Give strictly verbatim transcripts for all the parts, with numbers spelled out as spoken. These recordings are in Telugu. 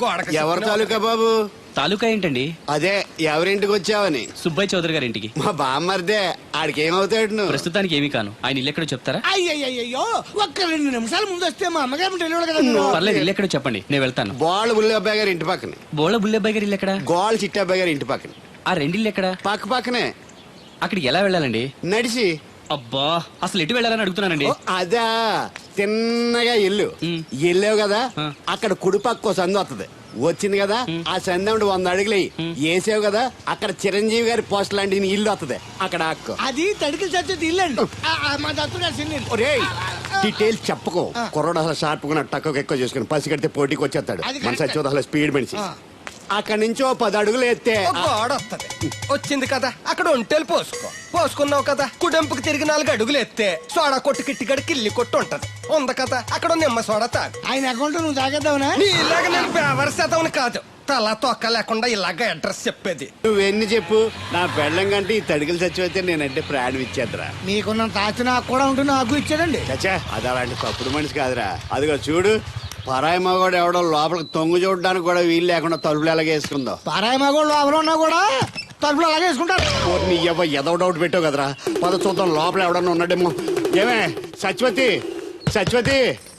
గోడకి ఎవరి తాలూకా బాబు? తాలూకా ఏంటండి? అదే ఎవరింటికి వచ్చావని. సుబ్బయ్య చౌదరి గారి ఇంటికి. మా బామ్మర్దే. ఆడికి ఏమవుతాడు నువ్వు? ప్రస్తుతానికి ఏమీ కాను. ఆయన ఇల్లు ఎక్కడో చెప్తారా? అయ్యయ్యో ఒక్క రెండు నిమిషాలు ముందు వస్తే మా అమ్మగారు తెలియదు కదా. పర్లేదు, ఇల్లు ఎక్కడో చెప్పండి, నేను వెళ్తాను. బోళ్ళ బుల్లి అబ్బాయి గారి ఇంటి పక్కన. బోళ బుల్లెబ్బాయి గారి ఇల్లు ఎక్కడ? గోళ్ళ చిట్టి అబ్బాయి గారి ఇంటి పక్కన. ఆ రెండిల్లు ఎక్కడ? పక్క పక్కనే. అక్కడికి ఎలా వెళ్ళాలండి? నడిచి. అబ్బా, అసలు ఎటు వెళ్ళాలని అడుగుతున్నానండి. ఓ, అదా తిన్నగా ఇల్లు వెళ్ళావు కదా, అక్కడ కుడిపక్క సందు వస్తుంది. వచ్చింది కదా, ఆ సందముడు వంద అడుగులు వేసావు కదా, అక్కడ చిరంజీవి గారి పోస్ట్ లాంటి ఇల్లు వస్తుంది. అక్కడ అక్క అది తడికి చచ్చేది ఇల్లు అండి. మా దత్తు గారి చిన్న ఇల్లు. ఒరేయ్, డీటెయిల్స్ చెప్పుకో. కుర్రోడు అసలు షార్ప్ గా టక్కువ ఎక్కువ చేసుకుని పసి కడితే పోటీకి వచ్చేస్తాడు. మన సచివత అసలు స్పీడ్ మనిషి. అక్కడి నుంచి ఓ పది అడుగులు ఎత్తే గోడ వస్తుంది. వచ్చింది కదా, అక్కడ ఒంటేలు పోసుకో. పోసుకున్నావు కదా, కుడెంపుకి తిరిగి నాలుగు అడుగులు ఎత్తే సోడా కొట్టు కిట్టిగడి కిల్లి కొట్టు ఉంటది. ఉంది కదా, అక్కడ నిమ్మ సోడా తాగు. ఆయన అకౌంట్ నువ్వు తాగేద్దావునా? ఇలాగ నేను ఫేవర్ శాతం కాదు, తల తొక్క లేకుండా ఇలాగ అడ్రస్ చెప్పేది. నువ్వెన్ని చెప్పు, నా పెళ్ళం కంటే ఈ తడికలు చచ్చిపోతే నేనంటే ప్రాణం ఇచ్చేద్దరా. మీకున్న తాచి నాకు కూడా ఉంటుంది, నాకు ఇచ్చాడండి. చచ్చా, అది అలాంటి తప్పుడు మనిషి కాదురా. అదిగో చూడు, పరాయి మగోడు ఎవడో లోపలికి తొంగు చూడడానికి కూడా వీలు లేకుండా తలుపులు ఎలాగే వేసుకుందో. పరాయి మగోడు లోపల ఉన్నా కూడా తలుపులు అలాగే వేసుకుంటారు. నీ ఎవ ఎదవ డౌట్ పెట్టావు కదరా. పద చూద్దాం లోపల ఎవడన్నా ఉన్నాడేమో. ఏమే సత్యవతి, సత్యవతి.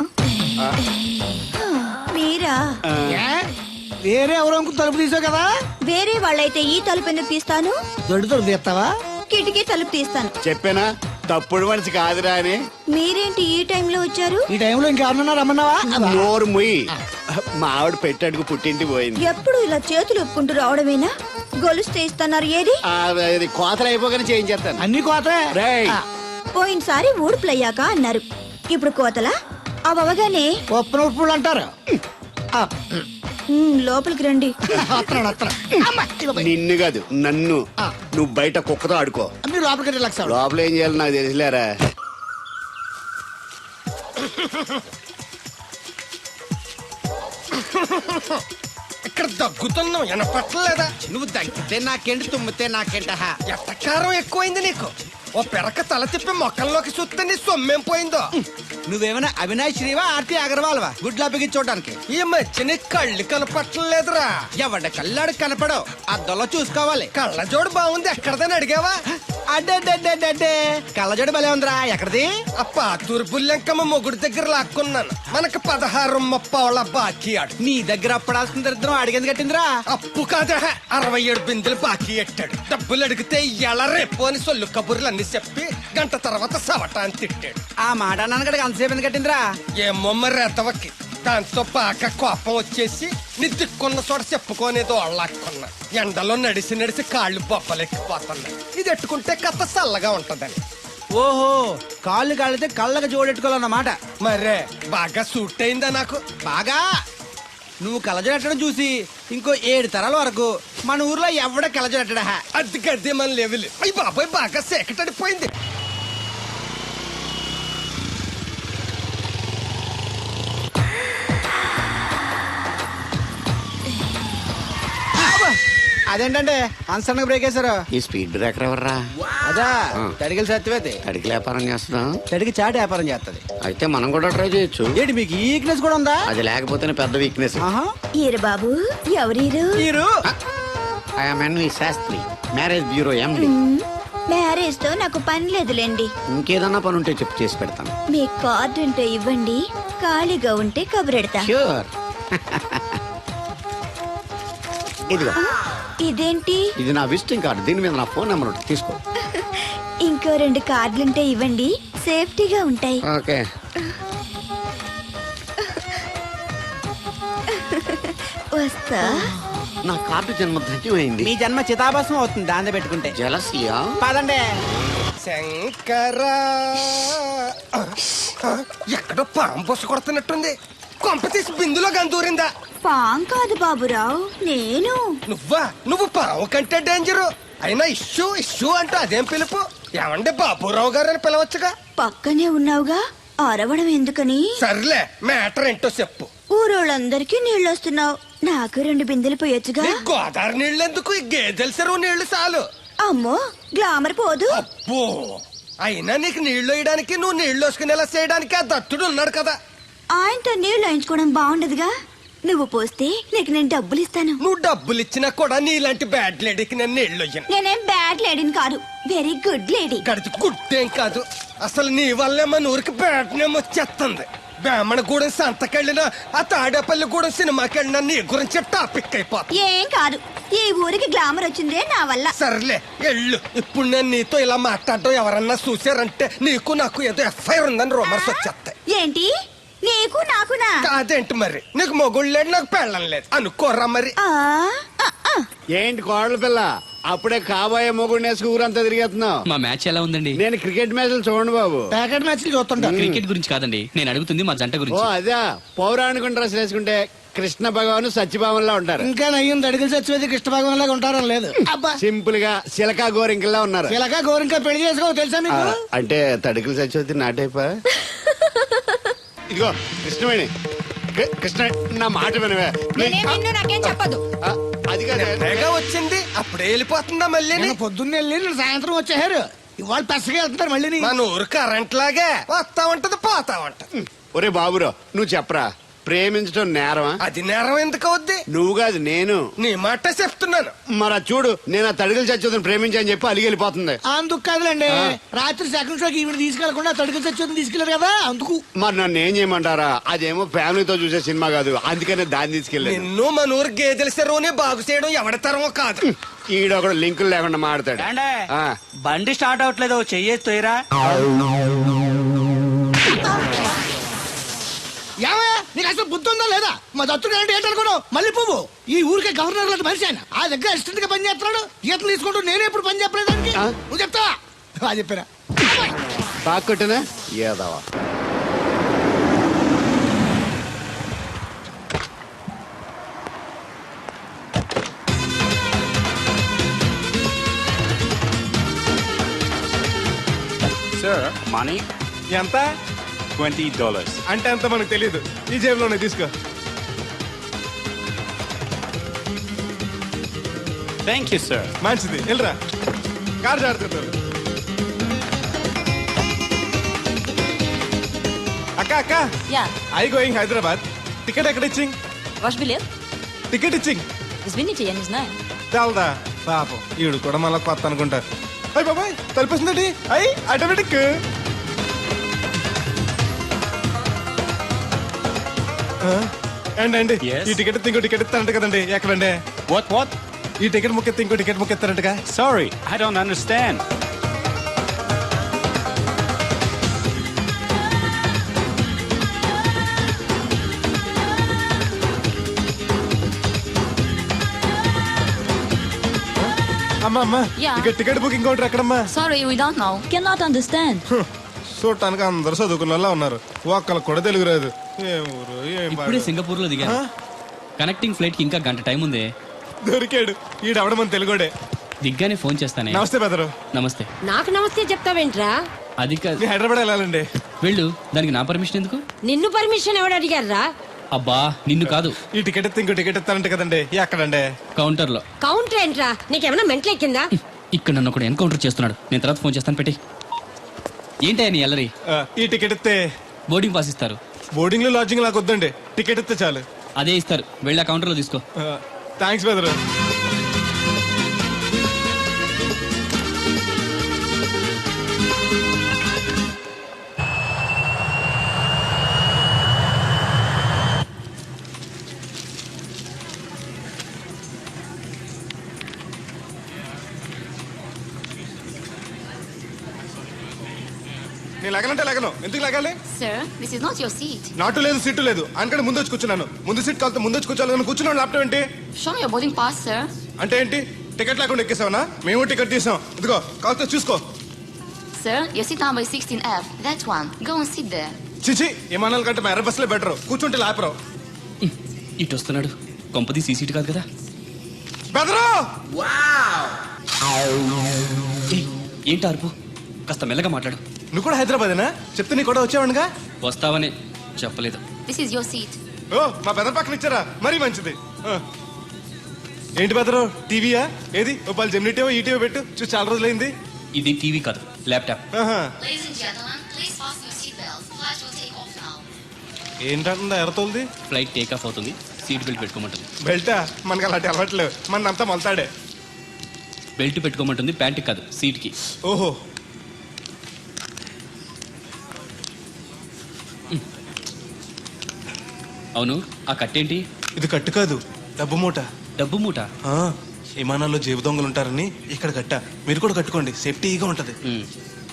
మీరా? వేరే ఎవరో తలుపు తీసావు కదా. వేరే వాళ్ళైతే ఈ తలుపు ఎందుకు తీస్తాను? దొడ్డు తలుపు తీస్తావా? కిటికీ తలుపు తీస్తాను. చెప్పానా తప్పుడు మనిషి కాదురా అని. మీరేంటి ఈ టైంలో వచ్చారు? ఈ టైంలో ఇంకెవరన్నా రమ్మన్నావా? నోరు ముయ్యి. మా ఆవిడ పెట్టాడుకు పుట్టింటి పోయింది. ఎప్పుడు ఇలా చేతులు ఒప్పుకుంటూ రావడమేనా? గొలుస్తే ఇస్తున్నారు ఏది? కోతలు అయిపోగానే చేయించేస్తాను. అన్ని కోతే. పోయినసారి ఊడుపులయ్యాక అన్నారు, ఇప్పుడు కోతలా? అవగానే ఒప్పున ఉప్పులు అంటారు. లోపలికి రండి. నిన్ను కాదు నన్ను. నువ్వు బయట కుక్కతో ఆడుకో. మీరు లోపలికి రిలాక్స్ అవ్వండి. లోపల ఏం చేయాలి నాకు తెలిసిలేరా. ఇక్కడ దగ్గుతున్నావు వినపట్టలేదా? నువ్వు దగ్గితే నాకేంటి, తుమ్మితే నాకేంట. ఎట్టకారం ఎక్కువైంది నీకు. ఓ పెరక తల తిప్పి మొక్కల్లోకి చూస్తే నీ సొమ్మేం పోయిందో. నువ్వేమైనా అవినాష్ శ్రీవా, ఆర్తి అగర్వాల్వా గుడ్లా బిగించోడానికి? ఈ మధ్య నీ కళ్ళు కనపట్టలేదురా. ఎవడ కళ్ళాడు కనపడవు, అద్దంలో చూసుకోవాలి. కళ్ళజోడు బాగుంది, ఎక్కడదని అడిగావా? అడ్డే కళ్ళజోడు భలే ఉందిరా. ఎక్కడిది? ఆ పాతూరు బుల్లెంకమ్మ మొగుడు దగ్గర లాక్కున్నాను. మనకు పదహారు ముప్పావుల బాకీ ఆడు. నీ దగ్గర అప్పడాల్సిన దరిద్రం అడిగేది కట్టిందిరా. అప్పు కాదా, అరవై ఏడు బిందెలు బాకీ ఎట్టాడు. డబ్బులు అడిగితే ఎల రేపు అని సొల్లు కబుర్లు అన్ని చెప్పి గంట తర్వాత సవటాన్ని తిట్టాడు. ఆ మాట నాన్నగడికి అంతసేపు ఎందుకు కట్టిందిరా? ఏమో మరి రెతవకి. దాంతో బాగా కోపం వచ్చేసి నీ దిక్కున్న చోట చెప్పుకోనేదో అళ్ళాక్కున్నా. ఎండలో నడిసి నడిసి కాళ్ళు బొబ్బలెక్కిపోతున్నాయి. ఇది ఎట్టుకుంటే కథ చల్లగా ఉంటదని. ఓహో, కాళ్ళు కాళ్ళైతే కళ్ళకి జోడెట్టుకోవాలన్నమాట. మరే బాగా సూట్ అయిందా నాకు? బాగా. నువ్వు కళ్ళజోడెట్టడం చూసి ఇంకో ఏడు తరాల వరకు మన ఊర్లో ఎవడ కళ్ళజోడెట్టడా. అది గడ్డి మన లెవెల్. అయ్యి బాబాయ్ బాగా సేకటడిపోయింది. అదేంటంటే అన్సడన్ బ్రేక్ వేశారు. ఈ స్పీడ్ బ్రేకర్ ఎవర్రా? అదా తడిగిల సత్యవేతి. తడికి వ్యాపారం చేస్తున్నాం. తడికి చాటి వ్యాపారం చేస్తది. అయితే మనం కూడా ట్రై చేయొచ్చు. ఏంటి మీకు ఈక్నెస్ కూడా ఉందా? అది లేకపోతేనే పెద్ద వీక్నెస్. ఈరు బాబు, ఎవరీరు? మీరు? I'm N V Shastri, marriage bureau MD. Marriage తో నాకు పని లేదులేండి. ఇంకేదన్నా పని ఉంటే చెప్పు, చేసి పెడతాను. మీ కార్డు ఉంటే ఇవ్వండి, ఖాళీగా ఉంటే కబురెడతా. ష్యూర్. ఇదిగో. ఇదేంటి? ఇది నా విజిటింగ్ కార్డు. దీని మీద నా ఫోన్ నెంబర్ ఉంటుంది, తీసుకో. ఇంకో రెండు కార్డులుంటే ఇవ్వండి, సేఫ్టీగా ఉంటాయి. ఓకే. వస్తా. నా కార్డు జన్మ ధన్యమైంది. మీ జన్మ చితాభాసం అవుతుంది దాన్ని పెట్టుకుంటే. జలసియా? పదండి. శంకరా, ఎక్కడో పాము బొస్సు కొడుతున్నట్టుంది. కొంప తీసి బిందులో గందూరిందా? పాం కాదు బాబురావు, నేను. నువ్వా? నువ్వు పాము కంటే డేంజరు. అయినా ఇష్యూ ఇష్యూ అంటూ అదేం పిలుపు? ఏమంటే బాబురావు గారు అని పిలవచ్చుగా. పక్కనే ఉన్నావుగా, అరవడం ఎందుకని? సర్లే, మ్యాటర్ ఏంటో చెప్పు. ఊరోళ్ళందరికీ నీళ్ళు వస్తున్నావు, నాకు రెండు బిందెలు పోయొచ్చుగా. నీ గోదావరి నీళ్ళు ఎందుకు? ఈ గేదెల చెరువు నీళ్లు చాలు. అమ్మో, గ్లామర్ పోదు. అబ్బో, అయినా నీకు నీళ్లు వేయడానికి, నువ్వు నీళ్లు వేసుకునేలా చేయడానికి ఆ దత్తుడు ఉన్నాడు కదా. ఆయనతో నీళ్లు వేయించుకోవడం బాగుండదుగా. నువ్వు పోస్తే నీకు నేను డబ్బులు ఇస్తాను. నువ్వు డబ్బులు ఇచ్చినా కూడా నీలాంటి బ్యాడ్ లేడీకి నేను నీళ్ళు ఇయ్యను. నేనేం బ్యాడ్ లేడీని కాదు, వెరీ గుడ్ లేడీ. గడిచి గుడ్డేం కాదు, అసలు నీ వల్లే మన ఊరికి బ్యాడ్ నేమ్ వచ్చేస్తుంది. బ్రాహ్మణగూడెం సంతకెళ్ళినా ఆ తాడేపల్లిగూడెం సినిమాకి వెళ్ళినా నీ గురించి టాపిక్ అయిపోతుంది. ఏం కాదు, ఈ ఊరికి గ్లామర్ వచ్చిందే నా వల్ల. సర్లే ఎళ్ళు. ఇప్పుడు నేను నీతో ఇలా మాట్లాడటం ఎవరన్నా చూసారంటే నీకు నాకు ఏదో ఎఫ్ఐఆర్ ఉందని రూమర్స్ వచ్చేస్తాయి. ఏంటి నీకు నాకునా? కాదేంటి మరి, నీకు మొగుళ్ళు లేదు నాకు పెళ్ళం లేదు అనుకోరా మరి. ఆ, ఆ, ఆ. ఏంటి కోడల పిల్ల అప్పుడే కాబోయే మొగుడు నేసుకు ఊరంతా తిరిగేస్తున్నావు. మా మ్యాచ్ ఎలా ఉందండి? నేను క్రికెట్ మ్యాచ్లు చూడండి బాబు. ప్యాకెట్ మ్యాచ్లు చూస్తుంటా. క్రికెట్ గురించి కాదండి, నేను అడుగుతుంది మా జంట ఓ గురించి. అదే పౌరాణిక డ్రెస్ వేసుకుంటే కృష్ణ భగవాన్ సత్యభావంలా ఉంటారు. ఇంకా నయ్యం దడిగిలి చచ్చిపోతే కృష్ణ భగవాన్ లాగా ఉంటారని లేదు. అబ్బా సింపుల్ గా సిలకా గోరింకల్లా ఉన్నారు. ఇలాగా గోరింకా పెళ్లి చేసుకో తెలుసా ఆ, మీకు? అంటే తడికలు చచ్చిపోతే నాటైపా. ఇదిగో కృష్ణవేణి, కృ- కృష్ణ నా మాట వినవే. నేనేం నిన్ను నాకేం చెప్పదు. ఆ, అది కాదు. తెగ వచ్చింది అప్పుడే వెళ్ళిపోతుందా మళ్ళీ? నేను పొద్దున్నే వెళ్ళి నేను సాయంత్రం వచ్చేసారు. ఇవాళ పెసగా వెళ్తున్నారు మళ్ళీ. మన ఊరు కరెంట్ లాగే వస్తా ఉంటది పోతా ఉంటది. ఒరే బాబురో నువ్వు చెప్పరా, ప్రేమించడం నేరమా? అది నేరం ఎందుకు అవుద్ది? నువ్వు కాదు నేను. నీ మాట చెప్తున్నాను. మరి అది చూడు, నేను ఆ తడికలు చచ్చిపోతుంది ప్రేమించని చెప్పి అలిగి వెళ్ళిపోతుంది. అందుకు కాదులేండి, రాత్రి సెకండ్ షోకి ఈవిడ తీసుకెళ్లకుండా తడుగు చచ్చి తీసుకెళ్లారు కదా అందుకు. మరి నన్ను ఏం చేయమంటారా? అదేమో ఫ్యామిలీతో చూసే సినిమా కాదు, అందుకనే దాన్ని తీసుకెళ్ళాను. నిన్ను మన ఊరు గేదెల చెరువుని బాగు చేయడం ఎవరి తరమో కాదు. ఈడొకడు లింకులు లేకుండా మాడతాడు. ఆ, బండి స్టార్ట్ అవట్లేదు, చెయ్యేసి తోయరా. ఏమయ్య నీకు అసలు బుద్ధి ఉందా లేదా? మా దత్తుడు అంటే ఏంటనుకోను మళ్ళీ పువ్వు. ఈ ఊరికే గవర్నర్ లాంటి మనిషి ఆయన. ఆ దగ్గర అసిస్టెంట్ గా పని చేస్తున్నాడు. ఈతలు తీసుకుంటూ నేనే ఇప్పుడు పని చెప్పలేదు దానికి. నువ్వు చెప్తావా? అది చెప్పారా? బాగా కొట్టినా ఏదవా. సార్ మనీ ఎంత ట్వంటీ డాలర్స్. అంటే అంత మనకు తెలియదు. ఈ జేబులోనే తీసుకో. Thank you sir. మంచిది, వెళ్ళరా. కారు జాడుతున్నారు. అక్క అక్క Ja, I going Hyderabad. Ticket ఎక్కడ ఇచ్చింగ్? wasch biljet? టికెట్ ఇచ్చింగ్ Das bin ich ja nicht, nein. తెలదా పాపం ఈడు కూడా మళ్ళీ కొత్త అనుకుంటారు. అయ్యి బాబాయ్ తలిపేసిందండి. అయ్యి ఆటోమేటిక్. అండి అండి Yes. ఈ టికెట్ ఇంకో టికెట్ ఇస్తారంట కదండి. ఎక్కడండి? What what? ఈ టికెట్ ముక్కెత్తి ఇంకో టికెట్ ముక్కెత్తారంటగా. Sorry, I don't understand. అమ్మా అమ్మా యా. ఇక టికెట్ బుకింగ్ కౌంటర్ ఎక్కడమ్మా? Sorry, we don't know. Cannot understand. చూడటానికి అందరు చదువుకున్న వాళ్ళ ఉన్నారు, ఒక్కళ్ళకి కూడా తెలుగు రాదు. ఏం ఊరు ఏం ఇప్పుడే పాడు. సింగపూర్ లో దిగాను. కనెక్టింగ్ ఫ్లైట్ కి ఇంకా గంట టైం ఉంది. దొరికాడు ఈడవడం మన తెలుగుడే. దిగ్గానే ఫోన్ చేస్తానే. నమస్తే బెదరు. నమస్తే. నాకు నమస్తే చెప్తావేంట్రా? అది కాదు, నీ హైదరాబాద్ వెళ్ళాలండి. వెళ్ళు. దానికి నా పర్మిషన్ ఎందుకు? నిన్ను పర్మిషన్ ఎవడు అడిగారా? అబ్బా నిన్ను కాదు, ఈ టికెట్ ఎత్తి ఇంకో టికెట్ ఇస్తారంట కదండి. ఎక్కడండి? కౌంటర్ లో. కౌంటర్ ఏంట్రా? నీకేమైనా మెంట్లెక్కిందా? ఇక్కడ నన్ను ఒకడు ఎన్కౌంటర్ చేస్తున్నాడు. నేను తర్వాత ఫోన్ చేస్తాను, పెట్టి. ఏంటయ్యా నీ అల్లరి? ఆ, ఈ టికెట్ ఇస్తే బోర్డింగ్ పాస్ ఇస్తారు. బోర్డింగ్ లో లాడ్జింగ్ నాకు వద్దండి, టికెట్ ఇస్తే చాలు. అదే ఇస్తారు, వెళ్ళి ఆ కౌంటర్ లో తీసుకో. థ్యాంక్స్ బెదరు. నేను లగనంటే లగను. ఎందుకు లగాలి? Sir, this is not your seat. నాటు లేదు సీటు లేదు, అందుకని ముందు వచ్చి కూర్చున్నాను. ముందు సీట్ కాలితే ముందు వచ్చి కూర్చోాలని కూర్చున్నాను. ల్యాప్టాప్ ఏంటి Show me your boarding pass, sir. అంటే ఏంటి? టికెట్ లేకుండా ఎక్కేసావనా? మేము టికెట్ తీసాం. ఇదిగో కాలితే చూసుకో. Sir, your seat number is sixteen F. That one. Go and sit there. చిచి విమానాల కంటే మా ఎర్ర బస్సులే బెటర్. కూర్చుంటే లాపరావు. ఇటు వస్తున్నాడు. కొంపది సీసీటీ కాదు కదా. బెదరు ఏయ్, ఏంటి అరుపు? కాస్త మెల్లగా మాట్లాడు. నువ్వు కూడా హైదరాబాదేనా? చెప్తే నీ కూడా వచ్చావనుగా. వస్తావనే చెప్పలేదు. This is your seat. ఓ మా బెదర్ పక్కన ఇచ్చారా? మరీ మంచిది. ఆ. ఏంటి బెదరు, టీవీయా? ఏది ఓ పాలు జెమినిటీవో ఈటీవో పెట్టు, చూసి చాలా రోజులైంది. ఇది టీవీ కాదు, ల్యాప్టాప్. ఆహా. Ladies and gentlemen, please fasten your seatbelts. Flight will take off now. ఏంటంటుందా ఎర్రతోల్ది? ఫ్లైట్ టేక్ ఆఫ్ అవుతుంది. సీట్ బెల్ట్ పెట్టుకోమంటుంది. బెల్టా మనకి అలాంటి అలవాట్లేవు, మన అంతా మొలతాడే. బెల్ట్ పెట్టుకోమంటుంది, ప్యాంట్కి కాదు సీట్కి. ఓహో, అవును, ఆ కట్టేంటి? ఇది కట్టు కాదు, డబ్బు మూట. డబ్బు మూట. ఆ, విమానాల్లో జేబు దొంగలు ఉంటారని ఇక్కడ కట్ట. మీరు కూడా కట్టుకోండి, సేఫ్టీగా ఉంటది. ఉమ్.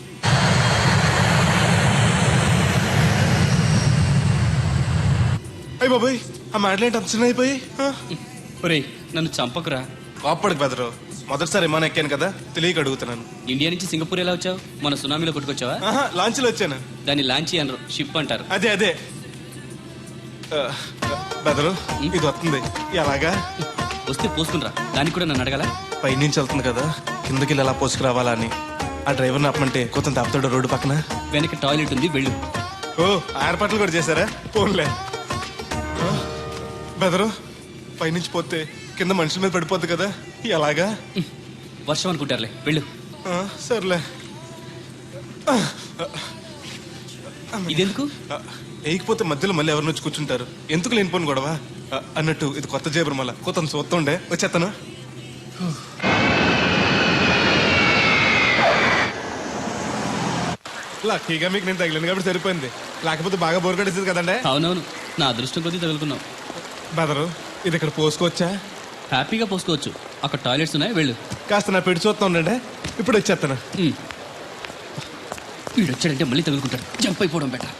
అయ్యి బాబాయ్, ఆ మాటలేంటి అంత చిన్న అయిపోయి? ఒరేయ్, నన్ను చంపకురా. కాపాడుకు బెదరు, మొదటిసారి విమానం ఎక్కాను కదా, తెలియక అడుగుతున్నాను. ఇండియా నుంచి సింగపూర్ ఎలా వచ్చావు? మన సునామీలో కొట్టుకొచ్చావా? ఆహా, లాంచ్లో వచ్చాను. దాన్ని లాంచీ అనరు, షిప్ అంటారు. అదే అదే ఆ, బెదరు, ఇది వస్తుంది ఎలాగా? వస్తే పోసుకునిరా, దానికి కూడా నన్ను అడగాల? పైనుంచి వెళ్తుంది కదా, కిందకి వెళ్ళి ఎలా పోసుకురావాలా అని. ఆ డ్రైవర్ని ఆపమంటే కొంత తాపుతాడు రోడ్డు పక్కన. వెనక టాయిలెట్ ఉంది, వెళ్ళు. ఓ, ఆ ఏర్పాట్లు కూడా చేశారా? పోన్లే. ఆ, బెదరు, పైనుంచి పోతే కింద మనుషుల మీద పడిపోద్ది కదా, ఎలాగా? వర్షం అనుకుంటారులే, వెళ్ళు. ఆ, సర్లే. ఇదెందుకు? ఆ, వేయకపోతే మధ్యలో మళ్ళీ ఎవరిని వచ్చి కూర్చుంటారు, ఎందుకు లేనిపోను గొడవ. ఆ, అన్నట్టు ఇది కొత్త జేబురు, మళ్ళా కొత్త చూస్తుండే వచ్చేస్తాను. లక్కీగా మీకు నేను తగిలింది కాబట్టి సరిపోయింది, లేకపోతే బాగా బోర్ కట్టేసింది కదండే. అవునవును, నా అదృష్టం కొద్దీ తగులుకున్నావు. బెదరు, ఇది ఇక్కడ పోసుకోవచ్చా? హ్యాపీగా పోసుకోవచ్చు, అక్కడ టాయిలెట్స్ ఉన్నాయి, వెళ్ళు. కాస్త నా పెట్టి చూస్తా ఉండండి, ఇప్పుడు వచ్చేస్తాను. ఉమ్. వీడు వచ్చాడంటే మళ్ళీ తగులుకుంటాడు, జంప్ అయిపోవడం better.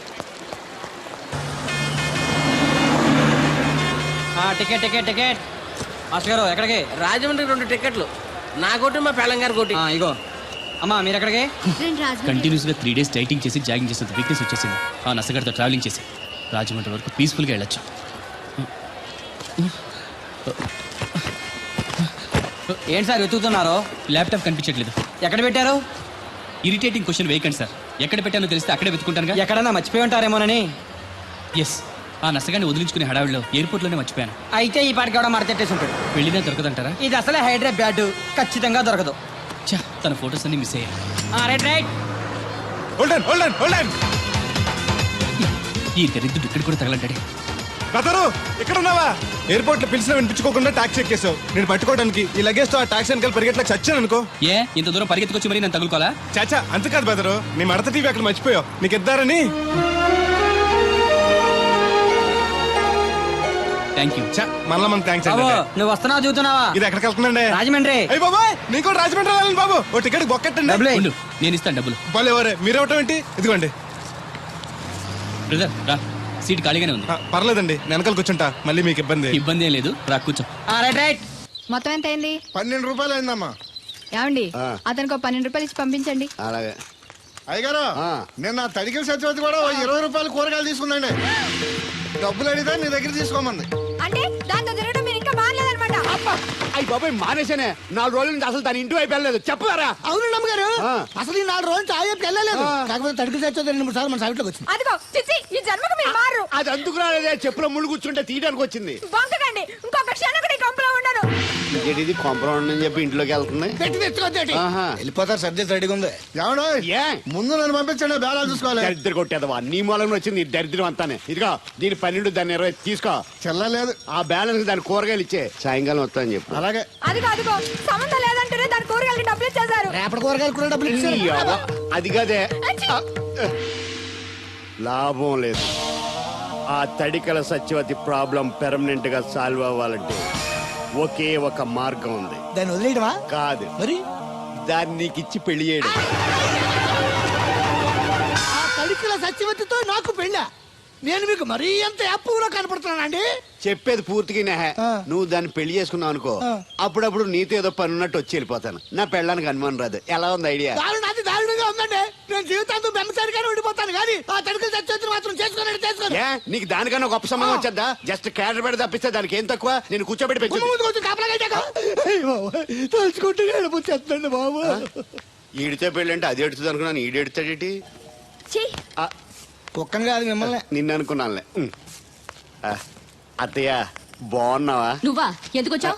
Ticket ticket ticket master గారు ఎక్కడికి? రాజమండ్రి రెండు టికెట్లు, నా కోటి మా పెళ్ళం గారి కోటి. ఇగో అమ్మా, మీరు ఎక్కడికి? కంటిన్యూస్ గా త్రీ డేస్ డైటింగ్ చేసి జాగింగ్ చేసేంత వీక్నెస్ వచ్చేసింది. ఆ నసగడితో ట్రావెలింగ్ చేసి రాజమండ్రి వరకు పీస్ఫుల్ గా వెళ్ళొచ్చు. ఏంటి సార్ వెతుకుతున్నారు? ల్యాప్టాప్ కనిపించట్లేదు. ఎక్కడ పెట్టారు? ఇరిటేటింగ్ క్వశ్చన్ వేయకండి సార్, ఎక్కడ పెట్టానో తెలిస్తే అక్కడే వెతుకుంటానుగా. ఎక్కడన్నా మర్చిపోయి ఉంటారేమోనని. ఎస్, ఆ నసగాన్ని వదిలించుకునే హడావిడిలో ఎయిర్పోర్ట్ లోనే మర్చిపోయాను. అయితే ఈ పాటికి కూడా మడతెట్టేసి ఉంటాడు. వెళ్ళినా దొరకదంటారా? ఇది అసలే హైదరాబాద్, ఖచ్చితంగా దొరకదు. ఛా, తన ఫొటోస్ అన్ని మిస్ అయ్యాయి. Right right Hold on, hold on, hold on. ఈ దరిద్రుడు ఇక్కడ కూడా తగలంటాడే. బెదరు, ఇక్కడ ఉన్నావా? ఎయిర్పోర్ట్ లో పిలిచిన వినిపించుకోకుండా టాక్సీ ఎక్కేసావు. నేను పట్టుకోవడానికి ఈ లగేజ్ తో ఆ టాక్సీ వెనకాల పరిగెట్లకు చచ్చాను అనుకో. ఏ ఇంత దూరం పరిగెత్తుకొచ్చి మరి నేను తగులుకోవాలా? చాచా, అంతకాదు బెదరు, నీ మడత టీవీ అక్కడ మర్చిపోయావు, నీకు ఇద్దారని. Thank you. మళ్ళా మన థ్యాంక్స్ అండి. నువ్వు వస్తున్నావు చూస్తున్నావా? ఇది ఎక్కడికి వెళ్తుందండి? రాజమండ్రి. అయ్యి బాబాయ్, నీకు కూడా రాజమండ్రి వెళ్ళాలి బాబు. ఓ టికెట్ బొక్కెట్టండి. ఉండు, నేను ఇస్తాను డబ్బులు. బాలే ఎవరే, మీరేవటం ఏంటి? ఇదిగోండి. బ్రదర్ రా, సీట్ ఖాళీగానే ఉంది. ఆ, పర్లేదండి, నేను వెనకాల కూర్చుంటా, మళ్ళీ మీకు ఇబ్బంది. ఇబ్బంది ఏం లేదు, రా కూర్చో. రైట్ రైట్ మొత్తం ఎంత అయింది? పన్నెండు రూపాయలు అయిందమ్మా. ఏమండి, ఆ. అతనికి ఒక పన్నెండు రూపాయలు ఇచ్చి పంపించండి. అలాగే. అయ్యగారు, ఆ. నిన్న తడికిల సత్యవతి కూడా ఓ ఇరవై రూపాయలు కూరగాయలు తీసుకుందండి. డబ్బులు అడిగితే నీ దగ్గర తీసుకోమంది. అంటే దాంతో తిరగడం మీరు ఇంకా మారలేదన్నమాట. అయ్యి బాబాయ్, మానేశానే. నాలుగు రోజుల నుంచి అసలు తన ఇంటి వైపు వెళ్ళలేదు, చెప్పారా? అవును నమ్మగారు, ఆ. అసలు ఈ నాలుగు రోజులు తాయపు వెళ్ళలేదు. కాకపోతే తడికిల సత్యవతి రెండు మూడు సార్లు మన సైట్లోకి వచ్చింది. అదిగో చిచ్చి, ఈ జన్మకు మీరు మారు. అది అందుకు రాలేదే, చెప్పులో ముళ్ళు కూర్చుంటే తీయడానికి వచ్చింది. బొంకకండి, ఇంకొక క్షణం కూడా ఈ కంపులో ఉండను. ఇది కాంపౌండ్ అని చెప్పి ఇంట్లోకి వెళ్తుంది. పెట్టి తెచ్చుకోద్దేటి. ఆహా. వెళ్ళిపోతారు, సర్జెస్ రెడీగా ఉంది. ఏమన్నా ఏ ముందు నన్ను పంపించండి, బేళాలు చూసుకోవాలి. దరిద్ర కొట్టేదవా, నీ మూలంలో వచ్చింది ఈ దరిద్రం అంతానే. ఇదిగో దీని పన్నెండు, దాన్ని ఇరవై తీసుకో. చెల్లలేదు. ఆ బ్యాలెన్స్ దాని కూరగాయలు ఇచ్చే, సాయంకాలం వస్తా అని చెప్పు. అలాగే. అదిగో అదిగో, సంబంధం లేదంటూనే దాని కూరగాయలకి డబ్బులు ఇచ్చేశారు. రేపటి కూరగాయలు కూడా డబ్బులు ఈ ఇచ్చారు. అవ్వ, అది కదే. అచ్చి. లాభం లేదు. ఆ తడికల సత్యవతి ప్రాబ్లం పెర్మనెంట్ గా సాల్వ్ అవ్వాలంటే ఒకే ఒక మార్గం ఉంది. దాన్ని వదిలేయడమా? కాదు, మరి దాన్ని నీకు ఇచ్చి పెళ్లి చేయడం. ఆ తడికిల సత్యవతితో నాకు పెళ్ళా? నేను మీకు మరీ ఎంత యాప్లో కనపడుతున్నానండి? చెప్పేది పూర్తిగా నెహ. ఆ. నువ్వు దాన్ని పెళ్లి చేసుకున్నావు అనుకో, ఆ. అప్పుడప్పుడు నీతో ఏదో పని ఉన్నట్టు వచ్చి వెళ్ళిపోతాను. నా పెళ్ళానికి అనుమానం రాదు. ఎలా ఉంది ఐడియా? దారుణ, అది దారుణంగా ఉందండి. నేను జీవితాంతం బెమ్మసారిగానే ఉండిపోతాను కానీ ఆ తడికిల సత్యవతిని మాత్రం చేసుకోనండి, చేసుకోను. ఏ, నీకు దానికన్నా గొప్ప సంబంధం వచ్చేద్దా? జస్ట్ క్యాడర్ పెడితే తప్పిస్తే దానికి ఏం తక్కువ? నేను కూర్చోబెట్టి పెంచు. ముందు ముందు కొంచెం కాపలాగా ఇచ్చాక. అయ్య బాబోయ్, తలుచుకుంటే ఏడిపోతుందండి బాబు. ఈడితే పెళ్ళి అంటే అది ఎడుతుంది అనుకున్నాను, ఈడు ఎడుతాడేటి? ఛీ, కుక్కను కాదు మిమ్మల్ని. నిన్ను అనుకున్నానులే. ఉమ్. ఆ, అత్తయ్య బాగున్నావా? నువ్వా? ఎందుకు వచ్చావు?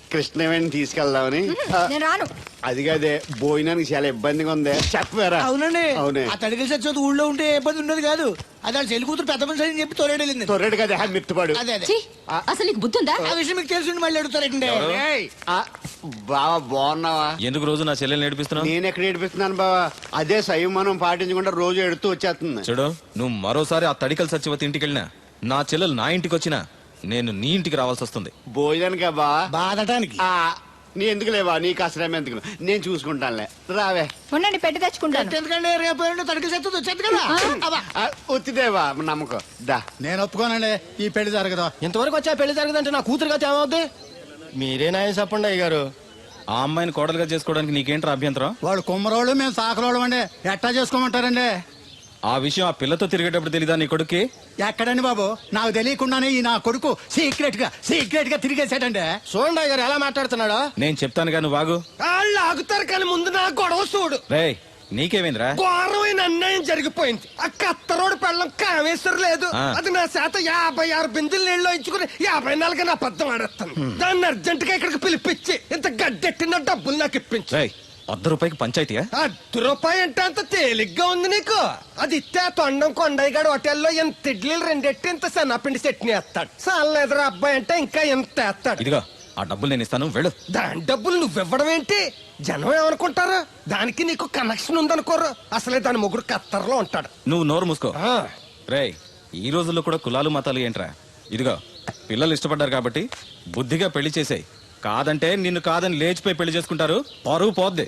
కృష్ణవేణి తీసుకెళ్దామని ఆ, నేను రాను. అది కాదే భోజనానికి చాలా ఇబ్బందిగా ఉంది చెప్పారా అవునండి అవునే ఆ తడికి చచ్చేది ఊళ్ళో ఉంటే ఏ ఇబ్బంది ఉండదు కాదు అది వాళ్ళ చెల్లి కూతురు పెద్ద మనిషి అని చెప్పి తోలేడు వెళ్ళింది తొర్రెడు కదా హ్యా మిత్తుపాడు అదే అదే ఛీ, అసలు నీకు బుద్ధి ఉందా? ఆ విషయం మీకు తెలిసి మళ్ళీ అడుగుతారండి ఏయ్, ఆ, బావా బాగున్నావా ఎందుకు రోజు నా చెల్లెల్ని నేర్పిస్తున్నావు? నేను ఎక్కడ ఏడిపిస్తున్నాను బావా అదే సంయమనం పాటించకుండా రోజు ఎడుతూ వచ్చేస్తుంది చూడు, నువ్వు మరోసారి ఆ తడికల సత్యవతి ఇంటికి వెళ్ళినా నా చెల్లెలు నా ఇంటికి వచ్చినా నేను నీ ఇంటికి రావాల్సి వస్తుంది. భోజనానికి బా బాధటానికి ఆ, నీ ఎందుకు లేవా నీకు అసలేం ఎందుకు నేను చూసుకుంటానులే రావే ఉండండి పెట్టి తెచ్చుకుంటాను. ఎందుకంటే రేపు ఎల్లుండి తడికి చచ్చేది వచ్చేది కదా అబ్బా. ఆ, వచ్చిదేవా నమ్మకం దా నేను ఒప్పుకోనండి ఈ పెళ్లి జరగదు. ఇంతవరకు వచ్చా పెళ్లి జరగదంటే నా కూతురుగా ఏమవుద్ది? మీరే నాయం చెప్పండి అయ్య గారు. ఆ అమ్మాయిని కోడలుగా చేసుకోవడానికి నీకేంట్రా అభ్యంతరం? వాళ్ళు కుమ్మరోళ్ళు మేము సాకరోళ్ళు అండి ఎట్టా చేసుకోమంటారండి? ఆ విషయం ఆ పిల్లతో తిరిగేటప్పుడు తెలీదా నీ కొడుక్కి? ఎక్కడండి బాబు నాకు తెలియకుండానే ఈ నా కొడుకు సీక్రెట్ గా సీక్రెట్ గా తిరిగేసాడండి. చూడండి అయ్య గారు ఎలా మాట్లాడుతున్నాడో. నేను చెప్తాను కానీ వాగు. వాళ్ళు ఆగుతారు కానీ ముందు నా గొడవ చూడు. రేయ్, నీకేమైందిరా? ఘోరమైన అన్యాయం జరిగిపోయింది. ఆ కత్తరోడు పెళ్ళం కామేశ్వర లేదు. ఆ. అది నా చేత యాభై ఆరు బిందులు నీళ్ళు ఇచ్చుకుని యాభై నాలుగు నా అబద్ధం ఆడేస్తాను. దాన్ని అర్జెంట్ గా ఇక్కడికి పిలిపించి ఇంత గడ్డెట్టిన డబ్బులు నాకు ఇప్పించు. రేయ్, వద్ద రూపాయికి పంచాయతీయా? అర్ధ రూపాయి అంటే అంత తేలిగ్గా ఉంది నీకు. అది ఇస్తే ఆ తొండం కొండయ్యగాడు హోటల్లో ఎంత ఇడ్లీలు రెండెట్టి ఇంత సన్నపిండి చట్నీ వేస్తాడు. సాల ఎదురు అబ్బాయి అంటే ఇంకా ఎంత వేస్తాడు. ఇదిగో ఆ డబ్బులు నేను ఇస్తాను, వెళ్ళు. దాని డబ్బులు నువ్వివ్వడం ఏంటి? జనం ఏమనుకుంటారు? దానికి నీకు కనెక్షన్ ఉందనుకోరు. అసలే దాని ముగ్గురు కత్తర్లో ఉంటాడు. నువ్వు నోరు మూసుకో. ఆ. రేయ్, ఈ రోజుల్లో కూడా కులాలు మతాలు ఏంట్రా? ఇదిగో పిల్లలు ఇష్టపడ్డారు కాబట్టి బుద్ధిగా పెళ్లి చేసేయ్. కాదంటే నిన్ను కాదని లేచిపోయి పెళ్లి చేసుకుంటారు, పరువు పోద్ది.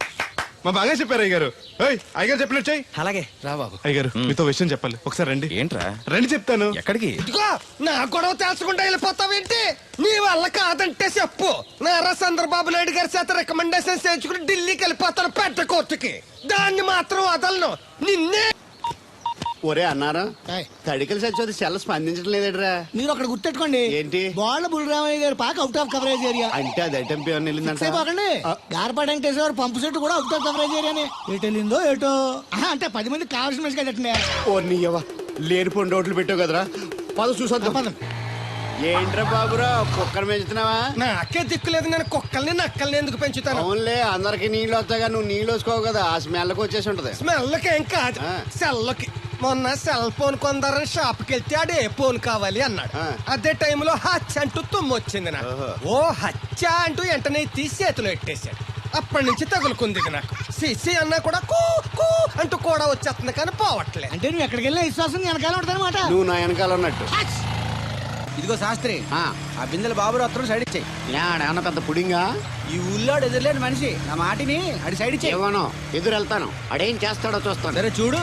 మా బాగా చెప్పారు అయ్యగారు. ఏయ్, అయ్యగారు చెప్పినట్టు చెయ్యి. అలాగే రా బాబు. అయ్యగారు మీతో విషయం చెప్పాలి, ఒకసారి రండి. ఏంట్రా? రండి చెప్తాను. ఎక్కడికి? ఇదిగో నా గొడవ తెలుసుకుంటా వెళ్ళిపోతావేంటి? నీ వల్ల కాదంటే చెప్పు. నారా చంద్రబాబు నాయుడు గారి చేత రికమెండేషన్ చేయించుకుని ఢిల్లీకి వెళ్ళిపోతాను పెద్ద కోర్టుకి. దాన్ని మాత్రం వదలను. నిన్నే ఒరే అన్నారా ఏయ్. తడికలు చచ్చి సెల్ స్పందించడం లేదట్రా మీరు అక్కడ గుర్తెట్టుకోండి ఏంటి? బాల బుల్రామయ్య గారి పాక అవుట్ ఆఫ్ కవరేజ్ ఏరియా. అంటే అది ఐటమ్ పేరు వెళ్ళిందంట సేపకండి గార్పాడు వెంకటేశ్వర పంపు సెట్ కూడా అవుట్ ఆఫ్ కవరేజ్ ఏరియానే. ఎటు వెళ్ళిందో ఏటో. ఆహా, అంటే పది మంది కావాల్సిన మనిషి కదండి. ఓ నీయవ్వ లేని పొండి రోడ్లు పెట్టావు కదరా పద చూసొద్దాం. ఏంట్రా బాబురా కుక్కర్ పెంచుతున్నావా? నాకే దిక్కులేదు. నేను కుక్కల్ని నక్కల్ని ఎందుకు పెంచుతాను? అవునులే అందరికి నీళ్ళు వస్తాగా నువ్వు నీళ్ళు వేసుకోవు కదా ఆ స్మెల్కి వచ్చేసి ఉంటది. స్మెల్కి ఏం కాదు, ఆ. సెల్కి. మొన్న సెల్ ఫోన్ కొందరని షాప్ కి వెళ్తే ఆడే ఫోన్ కావాలి అన్నాడు. ఆ. అదే టైంలో హచ్చ అంటూ తుమ్ము వచ్చింది నాకు. ఓహో. ఓ హచ్చ అంటూ వెంటనే తీసి చేతిలో పెట్టేశాడు. అప్పటి నుంచి తగులుకుంది ఇక నాకు. సిసి అన్నా కూడా కూ కూ అంటూ కూడా వచ్చేస్తుంది కానీ పోవట్లేదు. అంటే నువ్వు ఎక్కడికి వెళ్ళినా విశ్వాసం వెనకాల ఉంటానమాట. నువ్వు నా వెనకాల ఉన్నట్టు. ఇదిగో శాస్త్రి, ఆ, ఆ బిందెల బాబు రత్నం సైడ్ ఇచ్చేయి. ఏమన్నా పెద్ద పుడింగా ఈ ఊళ్ళో ఎదురులేని మనిషి నా మాటిని అడి సైడ్ ఇచ్చేయి. ఏమనో ఎదురు వెళ్తాను అడేం చేస్తాడో చూస్తాను. సరే చూడు.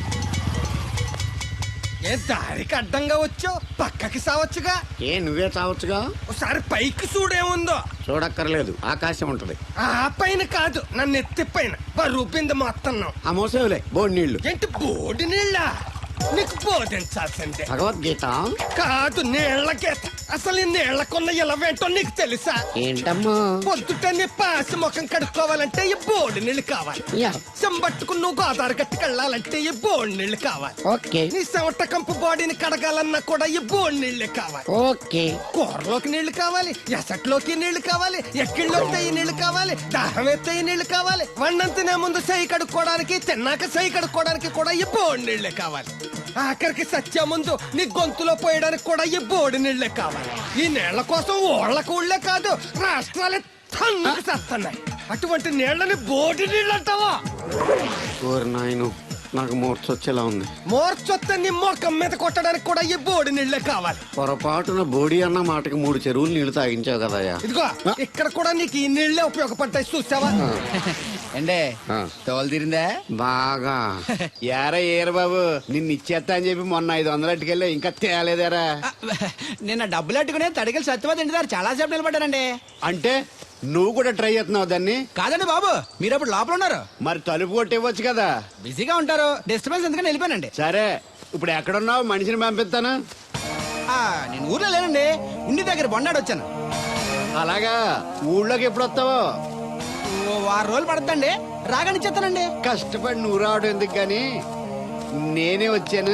ఏ దారికి అడ్డంగా వచ్చావు? పక్కకి సావచ్చుగా. ఏ నువ్వే చావచ్చుగా. ఒకసారి పైకి చూడేముందో. చూడక్కర్లేదు ఆకాశం ఉంటది. ఆ పైన కాదు, నన్ను ఎత్తి పైన రూపింది మొత్తం. ఆ మోసేవులే బోడి నీళ్లు. ఏంటి బోడి నీళ్ళ? నీకు బోధించాల్సిందే. భగవద్గీత కాదు, నీళ్ల గీత. అసలు ఈ నీళ్లకున్న ఇలవేంటో నీకు తెలుసా? ఏంటమ్మా? పొద్దుట నీ పాసి ముఖం కడుక్కోవాలంటే ఈ బోడి నీళ్లు కావాలి. యా. చెంబట్టుకుని నువ్వు గోదావరి గట్టుకు వెళ్ళాలంటే ఈ బోడి నీళ్లు కావాలి. ఓకే నీ చెమట కంపు బాడీని కడగాలన్నా కూడా ఈ బోడి నీళ్లే కావాలి. ఓకే కూరలోకి నీళ్లు కావాలి, ఎసట్లోకి నీళ్లు కావాలి, ఎక్కిళ్ళొస్తే ఈ నీళ్లు కావాలి, దాహం ఎత్తే ఈ నీళ్లు కావాలి. వండం తినే ముందు సై కడుక్కోవడానికి, తిన్నాక సై కడుక్కోవడానికి కూడా ఈ బోడి నీళ్లే కావాలి. ఆఖరికి సత్య ముందు నీ గొంతులో పోయడానికి కూడా ఈ బోడి నీళ్లే కావాలి. ఈ నీళ్ల కోసం ఓళ్లకు ఊళ్ళే కాదు, రాష్ట్రాలే తన్నుకు చేస్తున్నాయి. అటువంటి నీళ్లని బోడి నీళ్ళు అంటావా? ఓరి నాయను నాకు మూర్చ వచ్చేలా ఉంది. మోర్చొత్తే నీ మొఖం మీద కొట్టడానికి కూడా ఈ బోడి నీళ్లే కావాలి. పొరపాటున బోడి అన్న మాటకి మూడు చెరువులు నీళ్లు తాగించావు కదయ్యా. ఇదిగో ఇక్కడ కూడా నీకు ఈ నీళ్లే ఉపయోగపడతాయి, చూసావా? ఎండే ఆ. తోలు తీరిందా? బాగా ఏరా ఏరు బాబు నిన్ను ఇచ్చేస్తా అని చెప్పి మొన్న ఐదు వందలు అట్టుకెళ్ళి ఇంకా తేలేదేరా. నిన్న డబ్బులు అట్టుకునే తడికలు సత్యవతి ఇంటి దగ్గర చాలా సేపు నిలబడ్డారండి. అంటే నువ్వు కూడా ట్రై చేస్తున్నావు దాన్ని? కాదండి బాబు, మీరు అప్పుడు లోపల ఉన్నారు. మరి తలుపు కొట్టివ్వచ్చు కదా. బిజీగా ఉంటారు, డిస్టర్బెన్స్ ఎందుకని వెళ్ళిపోయానండి. సరే ఇప్పుడు ఎక్కడున్నావు? మనిషిని పంపిస్తాను. ఆ, నేను ఊర్లో లేనండి, ఉండి దగ్గర బొండాడు వచ్చాను. అలాగా ఊళ్ళోకి ఎప్పుడు వస్తావో? ఓ వారం రోజులు పడుతుందండి, రాగానే చెప్తానండి. కష్టపడి నువ్వు రావడం ఎందుకు గాని నేనే వచ్చాను.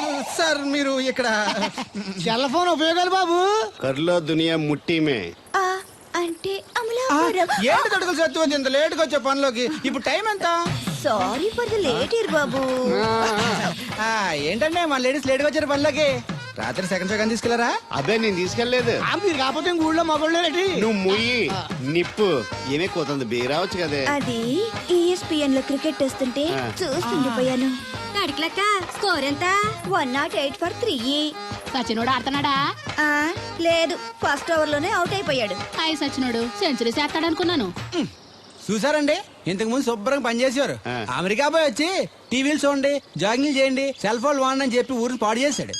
సార్ మీరు ఇక్కడ సెల్ ఫోన్ ఉపయోగాలు బాబు. కర్లో దునియా ముట్టిమే. ఆ ఏంటి తడుకులు సత్యం ఇంత లేట్ గా వచ్చే పనిలోకి ఇప్పుడు టైం ఎంత sorry for the late year బాబు. ఆ, ఏంటంటే మా లేడీస్ లేట్ గా వచ్చారు పనిలోకి రాత్రి సెకండ్ సెకండ్ తీసుకెళ్లారా అబ్బే నేను తీసుకెళ్లేదు మీరు కాకపోతే ఇంక ఊళ్ళో మగోళ్ళు ఏంటి నువ్వు ముయ్యి నిప్పు ఏమే కోతుంది బీరావచ్చు కదే అది ఈఎస్పిఎన్ లో క్రికెట్ వస్తుంటే ఆ. చూస్తుండిపోయాను. అడిగలక్క స్కోర్ ఎంత one nought eight for three. సచినోడు ఆడుతున్నాడా? లేదు, ఫస్ట్ ఓవర్ లోనే అవుట్ అయిపోయాడు. హాయ్ సచినోడు సెంచరీ చేస్తాడనుకున్నాను. చూసారండి ఇంతకు ముందు శుభ్రంగా పనిచేసేవారు ఆ. అమెరికా పోయి వచ్చి టీవీలు చూడండి జాగింగ్ చేయండి సెల్ ఫోన్ వాడండి అని చెప్పి ఊరిని పాడు చేశాడు.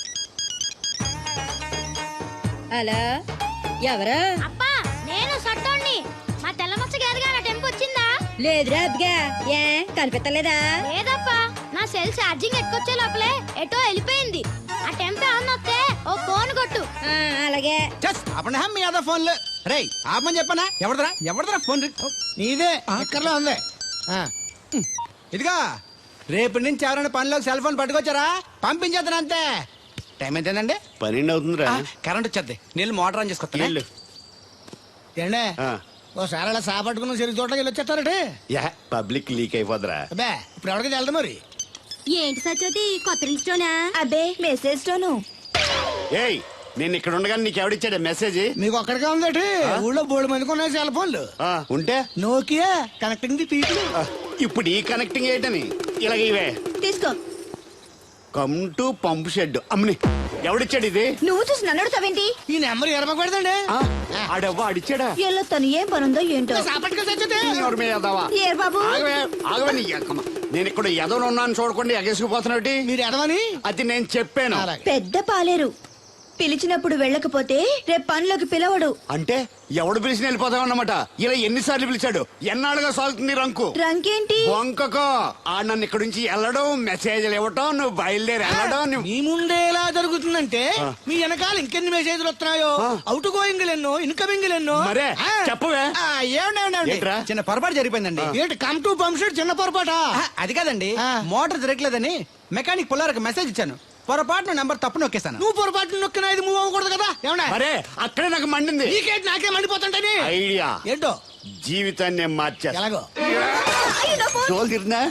హలో ఎవరు అప్పా నేను సట్టోణ్ణి. మా తెల్లమచ్చ గారిగా నా టెంపు వచ్చిందా? లేదురా అబ్బిగా ఏ కనిపెట్టలేదా లేదప్పా, నా సెల్ ఛార్జింగ్ ఎక్కొచ్చే లోపలే ఎటో వెళ్ళిపోయింది. ఆ టెంపు ఏమన్నా వస్తే ఓ ఫోన్ కొట్టు. ఆ, అలాగే చస్ అప్పుడు మీ అదా ఫోన్లు రే ఆపమని చెప్పనా ఎవడదరా ఎవడదరా ఫోన్ రి- నీదే ఎక్కర్లో ఉంది ఆ. ఉమ్, ఇదిగా రేపటి నుంచి ఎవరైనా పనిలోకి సెల్ ఫోన్ పట్టుకొచ్చారా పంపించేద్దాను అంతే. టైం ఎంతేనండి? పన్నెండు అవుతుందిరా కరెంట్ వచ్చేద్ది నీళ్ళు మోటార్ ఆన్ చేసుకొస్తా వెళ్ళు. ఏండే ఆ. ఓసారి అలా సాపట్టుకున్న సరి చోట్లకి వెళ్ళి వచ్చేస్తారటే యా పబ్లిక్ లీక్ అయిపోద్రా అబ్బే ఇప్పుడు ఎవరికి వెళ్దాం మరి ఏంటి సత్యవతి కొత్త రిజిస్టోనా అబ్బే మెసేజ్ తోను. ఏయ్ నేను ఇక్కడ ఉండగానే నీకు ఎవడిచ్చాడే మెసేజ్ మీకు ఒక్కడికే ఉందటి ఊళ్ళో బోడు మందికి ఉన్నాయి సెల్ ఫోన్లు ఆ, ఉంటే నోకియా కనెక్టింగ్ ది పీపుల్ ఆ, ఇప్పుడు ఈ కనెక్టింగ్ ఏంటని ఇలాగ ఇవే తీసుకో. కమ్ టు పంప్ షెడ్ అమ్మని ఎవడిచ్చాడు ఇది నువ్వు చూసి నన్ను అడుగుతావేంటి? ఈ నెంబర్ ఎరమకు పెడతాండి ఆ, ఆడవ్వ అడిచాడా ఎల్లో తను ఏం పనుందో ఏంటో. సాపట్టుకు సచ్చితే ఎవరి మీద ఎదవా? ఏ బాబు? ఆగవే ఆగవే నీ ఎక్కమ్మ. నేను ఇక్కడ ఎదవను ఉన్నాను చూడకుండా ఎగేసుకుపోతున్నాడు మీరు ఎడవని అది నేను చెప్పాను పెద్ద పాలేరు పిలిచినప్పుడు వెళ్ళకపోతే రేపు పనిలోకి పిలవడు. అంటే ఎవడు పిలిచి వెళ్ళిపోతావు అన్నమాట ఇలా ఎన్నిసార్లు పిలిచాడు ఎన్నాళ్ళుగా సాగుతుంది రంకు రంకేంటి? వంకకో ఆ నన్ను ఇక్కడ నుంచి వెళ్ళడం మెసేజ్లు ఇవ్వటం నువ్వు బయలుదేరి వెళ్ళడం నువ్వు మీ ముందే ఎలా జరుగుతుందంటే మీ వెనకాల ఇంకెన్ని మెసేజ్లు వస్తున్నాయో ఆ. అవుట్ గోయింగ్ ఎన్నో ఇన్కమింగ్ ఎన్నో మరే, ఆ. చెప్పవే. ఆ, ఏమండి, ఏమండి, ఏమండి? ఏంట్రా? చిన్న పొరపాటు జరిగిపోయిందండి ఏంటి కమ్ టు పంప్ షెడ్ చిన్న పొరపాట అది కాదండి మోటార్ తిరగలేదని మెకానిక్ పుల్లారకు మెసేజ్ ఇచ్చాను పొరపాటున నెంబర్ తప్పు నొక్కేస్తాను నువ్వు పొరపాటు నొక్కినా ఇది మూవ్ అవ్వకూడదు కదా ఏమన్నా మరే అక్కడే నాకు మండింది నీకేంటి నాకే మండిపోతుంటని ఐడియా ఏంటో జీవితాన్ని మార్చేస్తా ఎలాగో తోలు తిరిగినా